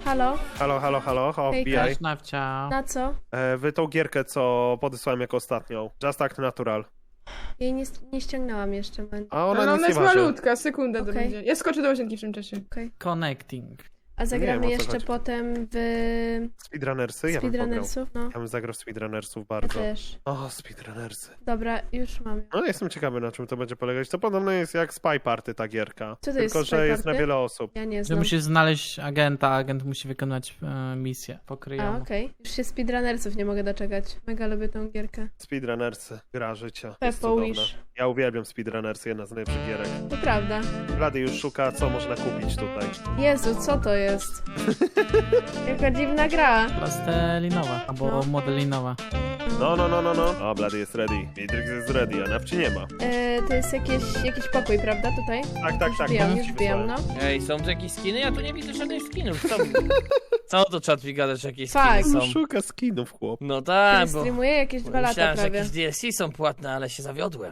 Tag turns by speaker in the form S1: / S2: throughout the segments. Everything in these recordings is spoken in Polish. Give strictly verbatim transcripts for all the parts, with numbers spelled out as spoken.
S1: Halo?
S2: Halo, halo, halo, o,
S1: Hejka.
S2: wbijaj.
S3: Cześć, Nawcia.
S1: Na co?
S2: E, wy tą gierkę, co podesłałem jako ostatnią. Just Act Natural.
S1: Jej nie, nie ściągnęłam jeszcze. Man.
S2: A ona
S4: No,
S2: nic
S4: ona
S2: nie
S4: jest
S2: waży.
S4: malutka, sekunda to
S1: Okej.
S4: będzie. Ja skoczę do łazienki w tym czasie.
S1: Okay.
S3: Connecting.
S1: A zagramy
S2: Nie wiem, o co
S1: jeszcze
S2: chodzi.
S1: potem w
S2: Speedrunnersy? Ja bym pograł.
S1: Speedrunnersów? No,
S2: Ja bym zagrał w Speedrunnersów
S1: ja
S2: bardzo.
S1: też.
S2: O, Speedrunnersy.
S1: Dobra, już mam.
S2: No jestem ciekawy, na czym to będzie polegać. To podobno jest jak Spy Party ta gierka.
S1: Co to
S2: Tylko,
S1: jest
S2: że
S1: Spy
S2: jest na
S1: Party?
S2: wiele osób.
S1: Ja nie
S3: Że
S1: znam.
S3: musisz znaleźć agenta, a agent musi wykonać e, misję
S1: A,
S3: pokryjoną.
S1: okej. Już się Speedrunnersów nie mogę doczekać. Mega lubię tą gierkę.
S2: Speedrunnersy. Gra życia. Jest
S1: Pepo
S2: cudowna.
S1: Wish.
S2: Ja uwielbiam Speedrunnersy, jedna z najlepszych gierek.
S1: To prawda.
S2: Blady już szuka, co można kupić tutaj.
S1: Jezu, co to jest? Jaka dziwna gra.
S3: Plastelinowa, albo
S1: No.
S3: modelinowa.
S2: No, no, no, no, no. O, Blady jest ready. Matrix jest ready, a Nawci nie ma.
S1: E, to jest jakieś, jakiś pokój, prawda, tutaj?
S2: Tak, tak, tak.
S1: Wbijam,
S2: to
S1: już
S2: ci
S1: wbijam, no.
S2: wysłałem.
S5: Ej, są tu jakieś skiny? Ja tu nie widzę żadnych skinów. Co, co to czat mi gadasz, jakieś
S1: Fakt.
S5: skiny są?
S2: Szuka skinów, chłop.
S5: No
S1: Który
S5: tak, bo
S1: streamuje jakieś dwa lata
S5: myślałem, że
S1: prawie.
S5: jakieś D L C są płatne, ale się zawiodłem.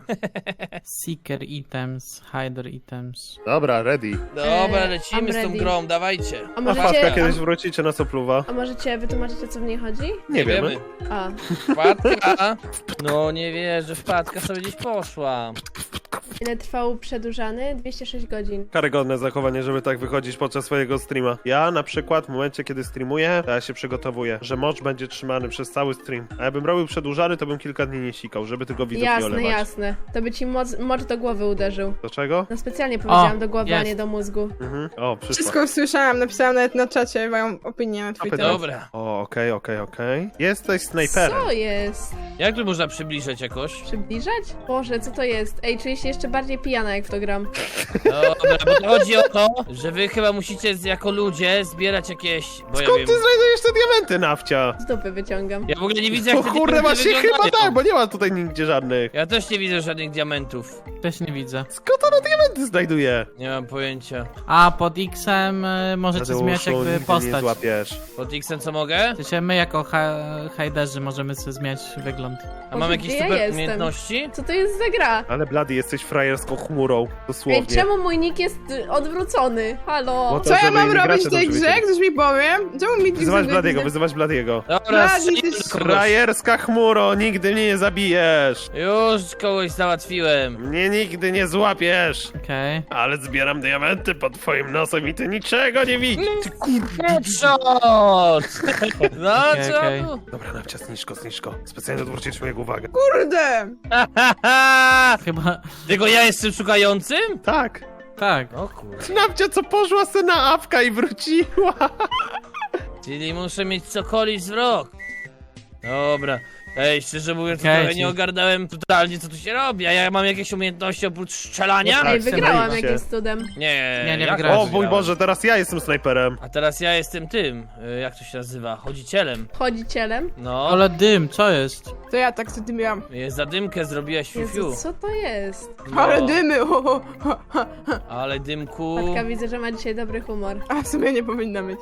S3: Seeker items, hider items.
S2: Dobra, ready.
S5: Dobra,
S1: Eee,
S5: lecimy
S1: I'm
S5: z tą
S1: ready.
S5: grą, dawajcie.
S1: A
S2: A Fatka
S1: możecie,
S2: kiedyś wrócicie na Sopluwa?
S1: a możecie wytłumaczyć, o co w niej chodzi?
S2: Nie wiemy.
S1: A,
S5: Wpadka. No nie wierzę, wpadka sobie gdzieś poszła.
S1: ile trwał przedłużany? dwieście sześć godzin.
S2: Karygodne zachowanie, żeby tak wychodzić podczas swojego streama. Ja na przykład w momencie, kiedy streamuję, to ja się przygotowuję, że mocz będzie trzymany przez cały stream. A jakbym robił przedłużany, to bym kilka dni nie sikał, żeby tylko widzów nie
S1: Jasne,
S2: olewać.
S1: jasne. To by ci moc, mocz do głowy uderzył.
S2: Do czego?
S1: No specjalnie powiedziałam do głowy, a
S3: jest.
S1: nie do mózgu.
S2: Mhm. O, przyszła.
S4: Wszystko słyszałam, napisałam nawet na czacie moją opinię na twój
S2: Apy,
S4: temat.
S5: Dobra.
S2: O, okej, okej, okej. Jesteś snajperem.
S1: Co jest?
S5: Jak tu można przybliżać jakoś?
S1: Przybliżać? Boże, co to jest? Ej, czuję się jeszcze bardziej pijana, jak w to gram.
S5: Dobra, bo to chodzi o to, że wy chyba musicie z- jako ludzie zbierać jakieś... Bo ja
S2: Skąd
S5: wiem...
S2: ty znajdujesz te diamenty, Nawcia?
S1: Z dupy wyciągam.
S5: Ja w ogóle nie widzę, jak
S2: O
S5: te
S2: kurde,
S5: diamenty
S2: właśnie chyba
S5: wyglądają.
S2: tak, bo nie ma tutaj nigdzie żadnych.
S5: Ja też nie widzę żadnych diamentów.
S3: Też nie widzę.
S2: Skąd ona diamenty znajduje?
S5: Nie mam pojęcia.
S3: A pod X-em y, możecie zmieniać
S2: Tadeuszu,
S3: jakby
S2: nigdy nie
S3: postać.
S2: złapiesz.
S5: Pod X-em co mogę?
S3: W sensie my jako ha hajderzy możemy sobie zmieniać wygląd.
S5: A mam
S1: Boże,
S5: jakieś
S1: gdzie ja
S5: super
S1: jestem?
S5: umiejętności?
S1: Co to jest za gra?
S2: Ale Blady, jesteś frajerską chmurą, dosłownie.
S1: Ej, czemu mój nick jest y, odwrócony? Halo?
S2: Bo to-
S4: Co ja
S2: żeby
S4: mam
S2: inni
S4: robić w
S2: gracze
S4: tej
S2: dobrze
S4: grze?
S2: wiedzieli.
S4: Ktoś mi powie? Czemu mi
S2: Wyzywać Bladiego, wyzywać Bladiego.
S5: Dobra,
S4: Blady,
S5: strzelę
S4: ty
S5: do kogoś.
S2: Frajerska chmuro, nigdy mnie nie zabijesz.
S5: Już kogoś załatwiłem.
S2: Mnie nigdy nie złapiesz.
S3: Okej.
S2: Ale zbieram diamenty pod twoim nosem i ty niczego nie widzisz. Ty kur...
S5: Headshot! No
S3: Okej,
S5: co?
S3: okej.
S5: tu?
S2: Dobra, Nawcia, zniżko, zniżko. Specjalnie odwrócić moją uwagę.
S4: Kurde!
S3: Chyba...
S5: Tylko ja jestem szukającym?
S2: Tak.
S3: Tak.
S5: O kurde.
S2: Nawcia, co poszła se na apka i wróciła.
S5: Czyli muszę mieć cokolwiek wzrok. Dobra. Ej, szczerze mówiąc, to
S3: Okej,
S5: trochę
S3: ci-
S5: nie ogarnąłem totalnie, co tu się robi. A ja mam jakieś umiejętności oprócz strzelania?
S2: No tak.
S1: Ej, wygrałam
S2: się.
S1: jakimś cudem.
S5: Nie,
S3: Nie, nie
S5: jak
S3: wygrałeś.
S2: O mój Boże, teraz ja jestem snajperem.
S5: A teraz ja jestem tym, y, jak to się nazywa, chodzicielem.
S1: Chodzicielem?
S5: No,
S3: Ale dym, co jest?
S4: To ja tak co ty miałam.
S5: jest zadymkę zrobiłaś fiu, fiu.
S1: Jezu, co to jest?
S5: No,
S4: Ale dymy! Ho, ho, ho, ho.
S5: ale dymku...
S1: Matka, widzę, że ma dzisiaj dobry humor.
S4: A w sumie nie powinna być.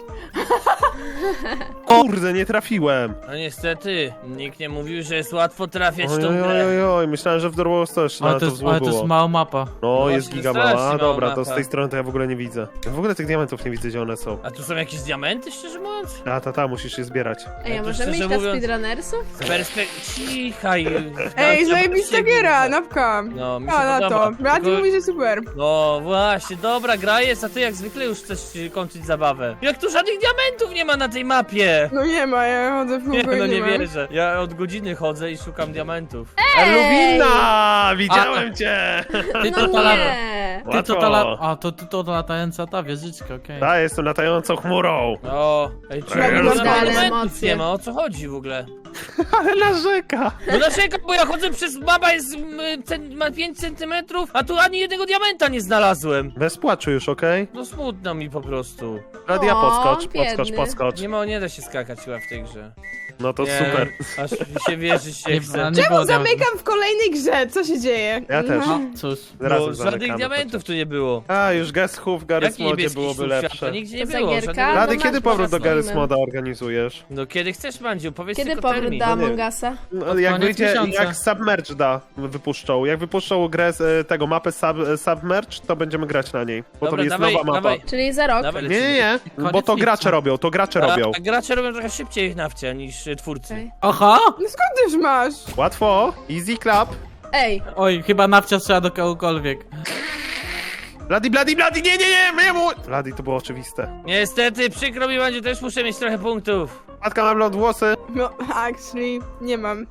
S2: Kurde, nie trafiłem.
S5: No niestety, nikt nie mówił, że jest łatwo trafiać w
S2: Oj,
S5: tą
S2: oj, oj,
S5: grę.
S2: oj, oj. Myślałem, że w The Wars też
S3: Ale
S2: na
S3: to
S2: to
S3: jest,
S2: zło
S3: ale to jest
S2: było.
S3: mała mapa.
S2: No,
S5: No
S2: jest
S5: właśnie,
S2: giga
S5: strasznie
S2: mała. A,
S5: mała
S2: dobra, to
S5: mapa.
S2: z tej strony to ja w ogóle nie widzę. Ja w ogóle tych diamentów nie widzę, gdzie one są.
S5: A tu są jakieś diamenty, szczerze mówiąc?
S2: A, ta, ta, musisz je zbierać.
S1: Ej, a
S5: to
S1: możemy
S5: szczerze
S1: iść na
S5: mówiąc-
S1: speedrunnersów?
S5: Z perspektywy... Cichaj.
S4: Ej,
S5: Nawcia,
S4: zajebista
S5: się
S4: giera,
S5: widzę.
S4: napka!
S5: No, mi się
S4: A, na to.
S5: podoba.
S4: Blady
S5: Tylko-
S4: mówi, że super.
S5: No właśnie, dobra gra jest, a ty jak zwykle już chcesz y, kończyć zabawę. Jak tu żadnych diamentów nie ma na tej mapie!
S4: No nie ma, ja chodzę w
S5: Nie,
S4: kółko
S5: no
S4: i
S5: nie
S4: nie ma.
S5: wierzę. Ja od godziny chodzę i szukam diamentów.
S2: Luwina! Widziałem cię!
S3: Ty to
S1: No
S3: ta lata...
S1: nie!
S3: Ty to
S2: Łatwo.
S3: ta la... A, to ty to latająca ta wieżyczka, okej.
S2: Ta, jestem latającą chmurą.
S5: O, ej,
S2: Ja
S5: czemu
S2: już
S5: tu
S2: mam
S5: diamentów
S1: emocje.
S5: nie ma? O co chodzi w ogóle?
S2: Ale narzeka.
S5: No dlaczego? Bo ja chodzę przez... Mapa jest... mm, cen- ma pięć centymetrów, a tu ani jednego diamenta nie znalazłem.
S2: Bez płaczu już, okej?
S5: No smutno mi po prostu.
S2: Radia,
S1: O,
S2: podskocz, podskocz,
S1: biedny.
S2: podskocz.
S5: Nie ma, nie da się skakać chyba w tej grze.
S2: No to
S5: Nie,
S2: super.
S5: Aż mi się wierzyć się
S3: Nie,
S5: chce.
S3: nie było
S4: Czemu
S3: diamentów.
S4: zamykam w kolejnej grze? Co się dzieje?
S2: Ja też.
S3: No, cóż.
S2: Razem
S5: Bo żadnych
S2: zamykamy.
S5: diamentów tu nie było.
S2: A, już Guess Who w Garry's
S5: Jaki
S2: Modzie
S5: niebieski
S2: byłoby
S5: ślub
S2: lepsze.
S5: świata? Nigdzie nie
S1: To
S5: było.
S1: zagierka?
S5: żadnego-
S1: No
S2: Rady,
S1: masz
S2: kiedy powrót do
S1: może
S2: Garry's
S1: filmy.
S2: Moda organizujesz?
S5: No kiedy chcesz, Mandziu? Powiedz
S1: Kiedy
S5: tylko
S1: powrót
S5: termin.
S1: do
S2: No nie.
S1: Among Usa?
S2: No,
S3: Pod
S2: jak
S3: koniec
S2: wyjdzie,
S3: miesiąca.
S2: jak Submerge da, wypuszczą. Jak wypuszczą grę z e, tego mapę sub, e, Submerge, to będziemy grać na niej. Bo
S5: Dobra,
S2: to jest
S5: dawaj,
S2: nowa mapa.
S5: dawaj.
S1: Czyli za rok.
S5: Dawaj,
S2: Nie, nie, nie,
S3: Koniec
S2: bo to
S3: lipca.
S2: gracze robią, to gracze
S5: A,
S2: robią.
S5: a gracze robią trochę szybciej nawcia niż y, twórcy.
S1: Okej.
S3: Oho!
S4: No skąd ty już masz?
S2: Łatwo, easy clap.
S1: Ej,
S3: Oj, chyba nawcia strzela do kogokolwiek.
S2: Bloody, bloody, bloody, nie, nie, nie, nie mu... Bloody, to było oczywiste.
S5: Niestety, przykro mi, Mandziu, też muszę mieć trochę punktów.
S2: Matka ma blond włosy.
S4: No, actually, nie mam.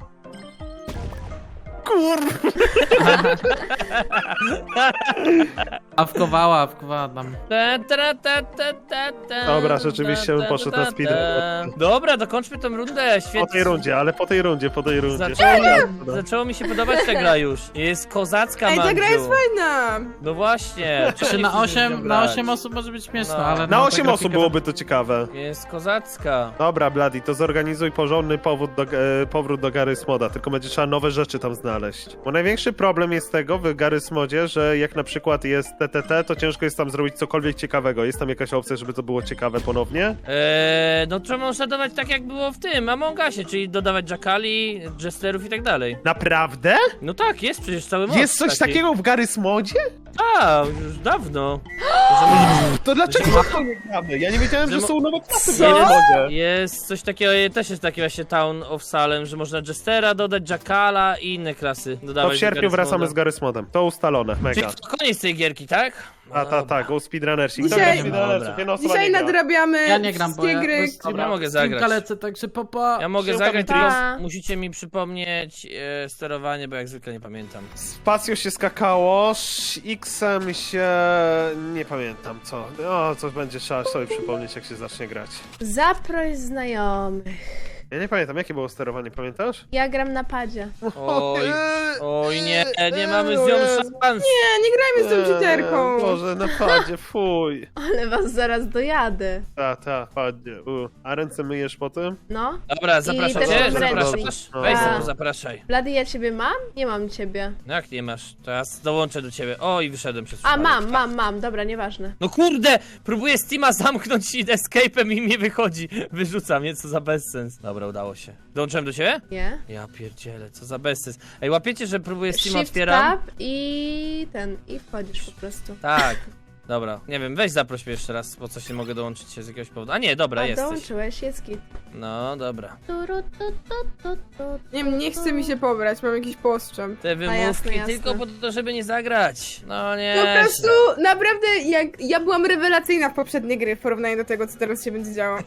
S2: Kur...
S3: Awkowała, awkowała tam.
S5: Ta, ta, ta, ta, ta, ta,
S2: Dobra, rzeczywiście
S5: ta,
S2: bym
S5: ta,
S2: poszedł
S5: ta,
S2: na
S5: ta.
S2: speedrun.
S5: Dobra, dokończmy tą rundę, świetnie.
S2: Po tej rundzie, ale po tej rundzie, po tej rundzie.
S5: Zaczęło, zaczęło mi się podobać ta gra już. Jest kozacka,
S4: Ej, ta
S5: Mandziu.
S4: gra jest fajna!
S5: No właśnie.
S3: Czy
S5: czemu
S3: na
S5: nie chcesz
S3: osiem,
S5: z nią
S3: na
S5: grać?
S3: osiem osób może być śmieszne,
S5: No.
S3: ale...
S2: Na
S3: no,
S2: osiem
S3: ta
S2: osób
S3: grafika-
S2: byłoby to ciekawe.
S5: Jest kozacka.
S2: Dobra, Bloody, to zorganizuj porządny powód do, e, powrót do Garry's Moda, tylko będzie trzeba nowe rzeczy tam znaleźć. Bo największy problem jest tego w Garry's Modzie, że jak na przykład jest T T T, to ciężko jest tam zrobić cokolwiek ciekawego. Jest tam jakaś opcja, żeby to było ciekawe ponownie?
S5: Eee, no trzeba można dodawać tak jak było w tym Among Usie, czyli dodawać jackali, jesterów i tak dalej.
S2: Naprawdę?
S5: No tak, jest przecież cały mod
S2: Jest coś
S5: taki.
S2: takiego w Garry's Modzie?
S5: A, już dawno.
S2: To dlaczego to nie gramy? Ja nie wiedziałem,
S5: Że
S2: że
S5: mo-
S2: są nowe klasy w
S5: Co?
S2: Garry's Modzie.
S5: Jest coś takiego, też jest taki właśnie Town of Salem, że można Jestera dodać, Jackala i inne klasy dodawać.
S2: To w
S5: do
S2: sierpniu
S5: Garry's
S2: wracamy z
S5: Moda.
S2: Garry's Modem. To ustalone,
S5: Czyli
S2: mega.
S5: to koniec tej gierki, tak? No
S2: A, ta,
S5: dobra.
S2: tak, go speedrunnersi. Kto
S4: Dzisiaj-
S2: gra speedrunnersów? Jedna osoba
S4: Dzisiaj
S2: nie gra.
S4: nadrabiamy
S3: Ja nie gram, bo
S4: wszystkie
S3: ja...
S4: gry.
S5: Ja mogę zagrać.
S3: lecę, także popa...
S5: Ja mogę
S2: Siłka
S5: zagrać,
S2: Beatrice.
S5: tylko musicie mi przypomnieć e, sterowanie, bo jak zwykle nie pamiętam.
S2: Spacją się skakało, z X-em się... nie pamiętam co. O, coś będzie trzeba sobie przypomnieć, jak się zacznie grać.
S1: zaproś znajomych.
S2: Ja nie pamiętam, jakie było sterowanie, pamiętasz?
S1: Ja gram na padzie.
S5: Oj, oj nie, nie
S2: Eee,
S5: mamy z
S2: o
S5: nią
S2: Jezu.
S5: szans.
S4: Nie, nie grajmy z tą cheaterką.
S2: Eee, Boże, na padzie, fuj.
S1: Ale was zaraz dojadę.
S2: Ta, ta, padzie. U. A ręce myjesz po tym?
S1: No.
S5: Dobra, zapraszam
S1: też
S5: cię,
S1: mam
S5: zapraszasz.
S1: ręcznik.
S5: Weź
S1: A.
S5: sobie, zapraszaj.
S1: Blady, ja ciebie mam? Nie mam ciebie.
S5: No jak nie masz? Teraz dołączę do ciebie. O, i wyszedłem przez
S1: A,
S5: przypadek.
S1: mam, mam, mam. Dobra, nieważne.
S5: No kurde! Próbuję Steama zamknąć escape'em i mi wychodzi. Wyrzuca mnie, co za bezsens. Dobra, udało się. Dołączyłem do ciebie?
S1: Nie?
S5: Ja pierdzielę, co za bezsens. Ej, łapiecie, że próbuję Steama
S1: Shift
S5: otwieram?
S1: tab i ten, i wchodzisz po prostu.
S5: Tak. Dobra, nie wiem, weź zaproś mnie jeszcze raz, bo coś nie mogę dołączyć się z jakiegoś powodu. A nie, dobra,
S1: A
S5: jesteś.
S1: dołączyłeś, jest git.
S5: No, dobra.
S1: Turu, tu, tu, tu, tu.
S4: Nie wiem, nie chce mi się pobrać, mam jakiś postrzęp.
S5: Te wymówki
S1: jasne, jasne.
S5: tylko po to, żeby nie zagrać. No nie.
S4: Po prostu, naprawdę, jak ja byłam rewelacyjna w poprzedniej gry w porównaniu do tego, co teraz się będzie działo.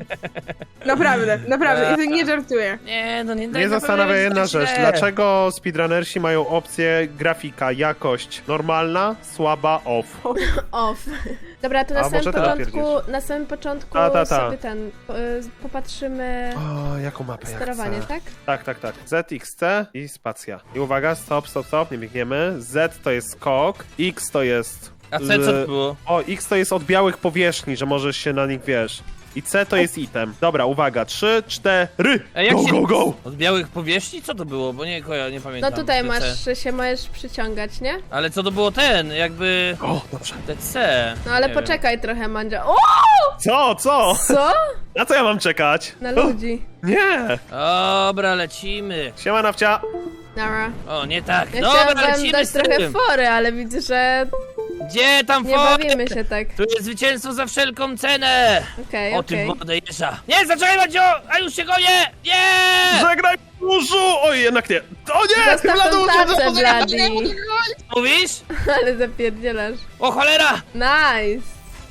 S4: naprawdę, naprawdę, i to nie żartuję.
S5: Nie, no nie
S2: Mnie zastanawia jedna rzecz. Dlaczego speedrunnersi mają opcję grafika, jakość normalna, słaba, off?
S1: Off. Dobra, to na
S2: A,
S1: samym
S2: może teraz
S1: początku,
S2: pierdziesz.
S1: na samym początku
S2: Ta, ta, ta.
S1: sobie ten, po- y, popatrzymy
S2: O, jaką mapę ja
S1: sterowanie,
S2: chcę?
S1: tak?
S2: Tak, tak, tak. Z, X, C i spacja. I uwaga, stop, stop, stop, nie biegniemy. Z to jest skok, X to jest...
S5: A co, co to
S2: l-
S5: było?
S2: O, X to jest od białych powierzchni, że możesz się na nich, wiesz. I C to jest item. Dobra, uwaga, trzy, cztery,
S5: A jak
S2: go,
S5: się-
S2: go, go!
S5: Od białych powierzchni? Co to było? Bo nie, koja, nie pamiętam.
S1: No tutaj
S5: Te
S1: masz,
S5: C.
S1: się możesz przyciągać, nie?
S5: Ale co to było ten? Jakby...
S2: O, dobrze.
S5: Te C.
S1: No ale
S5: Nie
S1: poczekaj trochę, Mandzia. O!
S2: Co, co?
S1: Co?
S2: Na co ja mam czekać?
S1: Na
S2: O,
S1: ludzi.
S2: nie!
S5: Wiem. Dobra, lecimy.
S2: Siema, Nawcia.
S1: Nara.
S5: O, nie tak.
S1: Ja
S5: Dobra,
S1: chciałam wam
S5: lecimy
S1: dać
S5: z
S1: trochę
S5: tym.
S1: fory, ale widzę, że
S5: Gdzie tam
S1: nie
S5: for?
S1: bawimy się tak.
S5: Tu jest zwycięstwo za wszelką cenę.
S1: Okej,
S5: O tym
S1: okej.
S5: wodę jeża. Nie, zaczekaj, Mandzio! A już się goję! Nie!
S2: Żegnaj, burzu! Oj, jednak nie. O nie!
S1: Zostaw
S2: Bladu,
S1: tą
S2: uciekł,
S1: tacę,
S2: uciekł,
S1: Bladi.
S5: Mówisz?
S1: Ale zapierdzielasz.
S5: O cholera!
S1: Nice.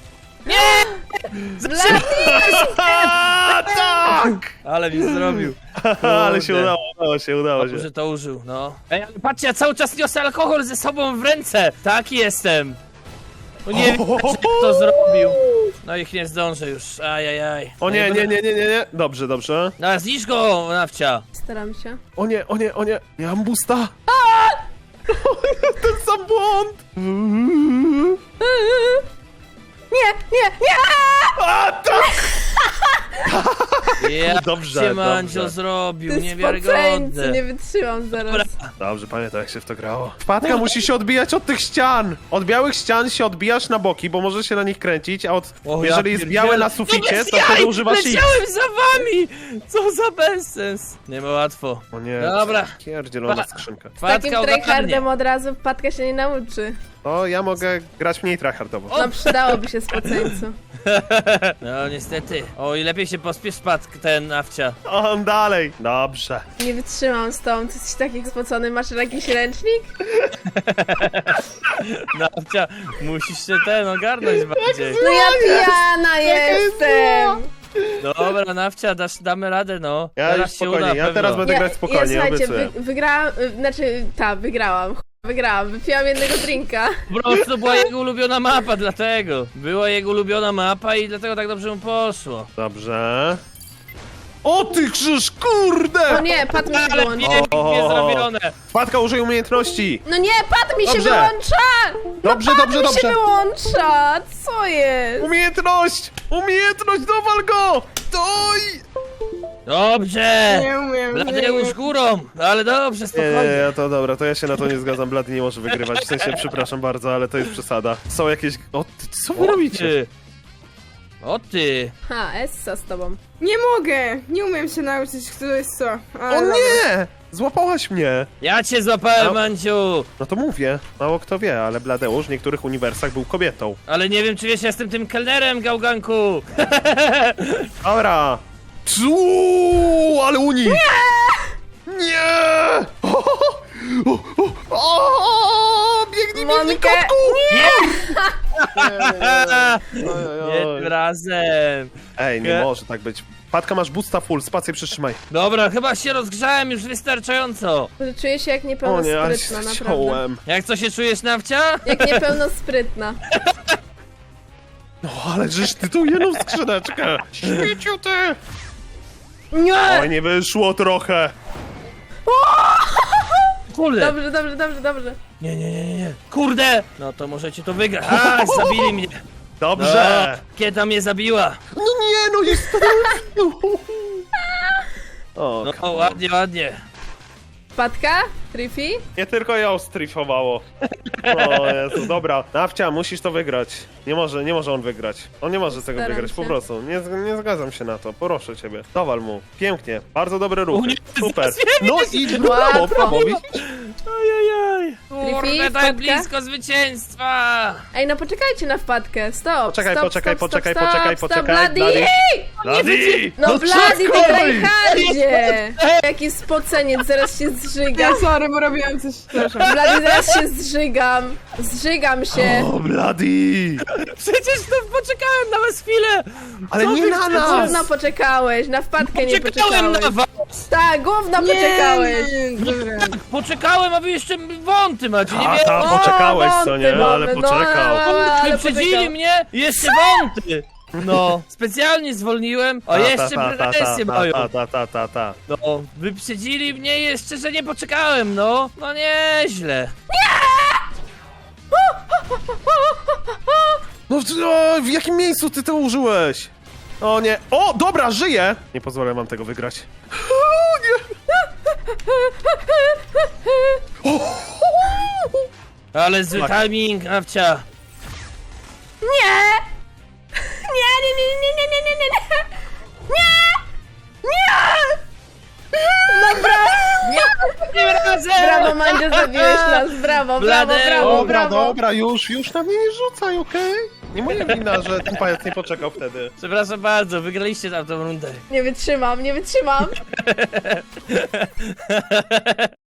S5: Zaczekaj!
S2: A, tak!
S5: Ale mi zrobił.
S2: Ale się
S5: Kurde.
S2: udało, udało się, udało się.
S5: Może to użył, no. Ej, ale patrzcie, ja cały czas niosę alkohol ze sobą w ręce. Taki jestem. No nie wiem, jak to zrobił. No ich nie zdążę już, ajajaj.
S2: O nie, nie, nie, nie, nie, nie. Dobrze, dobrze.
S5: No, zniszcz go, Nawcia.
S1: Staram się.
S2: O nie, o nie, o nie. Nie mam busta. Ten sam błąd.
S1: Nie, nie, nie!
S2: A, tak!
S5: Ja
S2: Dobrze,
S5: cię Mandzio
S2: dobrze.
S5: zrobił,
S4: Ty
S5: niewiarygodne.
S4: spoceńcy, nie wytrzymam zaraz.
S5: Dobra.
S2: Dobrze, pamiętam jak się w to grało. Wpadka musi się odbijać od tych ścian! Od białych ścian się odbijasz na boki, bo możesz się na nich kręcić, a od...
S5: O, ja
S2: jeżeli jest
S5: pierdzielę.
S2: białe na
S5: No
S2: suficie,
S5: bez
S2: to
S5: jaj,
S2: wtedy używasz X.
S5: leciałem za wami! Co za bezsens. Nie ma łatwo.
S2: O nie,
S5: Dobra.
S2: pierdzielona
S5: Pa-
S2: skrzynka.
S4: Z takim
S5: Wpadka
S4: tryhardem
S5: ogarnie.
S4: od razu wpadka się nie nauczy.
S2: To ja mogę grać mniej tryhardowo.
S4: No przydałoby się spoceńcu.
S5: No niestety. O, i lepiej się pospiesz spadł ten Awcia.
S2: On dalej. Dobrze.
S4: Nie wytrzymam z tą, ty jesteś taki spocony, masz jakiś ręcznik?
S5: No Awcia, musisz się ten ogarnąć bardziej.
S4: No ja pijana jestem!
S5: Dobra, Nawcia, dasz, damy radę, no.
S2: Ja
S5: Teraz
S2: już
S5: się
S2: spokojnie,
S5: uda,
S2: ja
S5: pewno.
S2: teraz będę grać spokojnie,
S4: słuchajcie,
S2: obiecuję.
S4: wy, wygrałam, y, znaczy, ta, wygrałam, ch- wygrałam, wypiłam jednego drinka.
S5: Po prostu była jego ulubiona mapa, dlatego. Była jego ulubiona mapa i dlatego tak dobrze mu poszło.
S2: Dobrze. O ty krzyż, kurde!
S4: O nie, pad mi się
S5: Ale
S4: wyłącza.
S5: pięknie
S2: O.
S5: zrobione.
S2: Wpadka, użyj umiejętności.
S4: No nie, pad mi się
S2: Dobrze.
S4: wyłącza!
S2: Dobrze,
S4: Pad
S2: dobrze,
S4: mi się
S2: dobrze.
S4: wyłącza! Co jest?
S2: Umiejętność! Umiejętność, dowal go! Doj!
S5: Dobrze.
S4: umiem,
S5: Bladeusz górą, ale dobrze,
S2: Nie, nie,
S5: spokojnie.
S2: nie, to dobra, to ja się na to nie zgadzam, Blady nie może wygrywać, w sensie, przepraszam bardzo, ale to jest przesada. Są jakieś... O, ty, co wy
S5: O
S2: robicie?
S5: ty. O ty.
S4: Ha, Essa z tobą.
S6: Nie mogę! Nie umiem się nauczyć, kto jest co. Ale
S2: O
S6: dobra.
S2: nie! Złapałaś mnie!
S5: Ja cię złapałem,
S2: No.
S5: Manciu.
S2: No to mówię, mało kto wie, ale Bladeusz w niektórych uniwersach był kobietą.
S5: Ale nie wiem, czy wiesz, ja jestem tym kelnerem, gałganku.
S2: Dobra! Cuu, ale uni! Nie! Nie! O, o, o, o, biegnij, biegnij,
S4: Monkę!
S2: kotku!
S5: Nie
S2: Oj, oj,
S5: tym
S2: oj.
S5: razem.
S2: Ej, nie
S5: Nie.
S2: może tak być. Patka, masz boosta full, spację przytrzymaj.
S5: Dobra, chyba się rozgrzałem już wystarczająco.
S4: Że czuję się jak
S2: O nie, ale się
S4: niepełnosprytna, naprawdę.
S2: chciałem.
S5: Jak co się czujesz, Nawcia?
S4: Jak niepełnosprytna.
S2: No ale żeż ty tu jedną skrzyneczkę. Śmieciu ty!
S4: Nie!
S2: Oj, nie wyszło trochę.
S5: Kurde.
S4: Dobrze, dobrze, dobrze, dobrze.
S5: Nie, nie, nie, nie. Kurde. No to możecie to wygrać. A, zabili mnie.
S2: Dobrze.
S5: No, Kieta mnie zabiła.
S2: No nie, no jest... O,
S5: No
S2: come on.
S5: ładnie, ładnie.
S4: Wpadka? Triffy?
S2: Nie tylko ją strifowało. O Jezu, dobra. Nawcia, musisz to wygrać. Nie może, nie może on wygrać. On nie może tego
S4: Staram
S2: wygrać, po
S4: się.
S2: prostu. Nie, z- nie zgadzam się na to, proszę ciebie. Dowal mu. Pięknie. Bardzo dobre
S5: U,
S2: ruchy.
S5: nie,
S2: Super.
S5: zjebie
S2: No
S5: się.
S2: i brawo,
S4: Łatwo.
S2: brawo, widzisz?
S5: Ojojoj.
S4: Triffy,
S5: Kurde,
S4: wpadka?
S5: tak blisko zwycięstwa.
S4: Ej, no poczekajcie na wpadkę. Stop,
S2: Poczekaj,
S4: stop,
S2: poczekaj,
S4: stop,
S2: poczekaj,
S4: stop,
S2: poczekaj,
S4: stop,
S2: poczekaj,
S4: Bloody!
S2: Bloody. Blady!
S4: No Bloody, ty
S2: czekaj!
S4: grajhardzie! Jaki spoceniec, zaraz się zżygam.
S6: Ja sorry, bo robiłam coś, przepraszam.
S4: Bloody, zaraz się zżygam. Zżygam się.
S2: O, Blady!
S5: Przecież to poczekałem na was chwilę.
S2: Ale
S5: Co
S2: nie
S5: wy
S2: na
S5: chcecie?
S2: nas!
S4: Gówno poczekałeś, na wpadkę nie
S5: Poczekałem
S4: poczekałeś.
S5: na was.
S4: Tak, gówno poczekałeś.
S6: Nie, nie, dobra.
S5: Poczekałem, a wy jeszcze wąty macie, nie
S2: A
S5: wiem.
S2: tam poczekałeś, co nie?
S4: wąty
S2: Ale
S4: mamy, no,
S2: poczekał.
S4: ale- ale
S5: Wyprzedzili
S4: poczekał.
S5: mnie i jeszcze wąty. No, specjalnie zwolniłem, a jeszcze pretensje mają.
S2: ta, ta, ta, ta, ta.
S5: No, wyprzedzili mnie jeszcze, że nie poczekałem, no. No nieźle.
S2: No w, o, w jakim miejscu ty to użyłeś? O nie. O, dobra, żyję! Nie pozwolę wam tego wygrać. O nie!
S5: Ale zły
S2: Tak.
S5: timing, Nawcia.
S4: Nie! Nie, nie, nie, nie, nie, nie, nie, nie, nie! Nie! Nie! Dobra!
S5: Tym razem!
S4: Brawo, Mandzio, zabiłeś nas, brawo, brawo,
S5: Bladeusz.
S4: brawo,
S2: Dobra,
S4: brawo.
S2: dobra, już, już na mnie nie rzucaj, okej? Nie moja wina, że ten pajac nie poczekał wtedy.
S5: Przepraszam bardzo, wygraliście tamtą rundę.
S4: Nie wytrzymam, nie wytrzymam.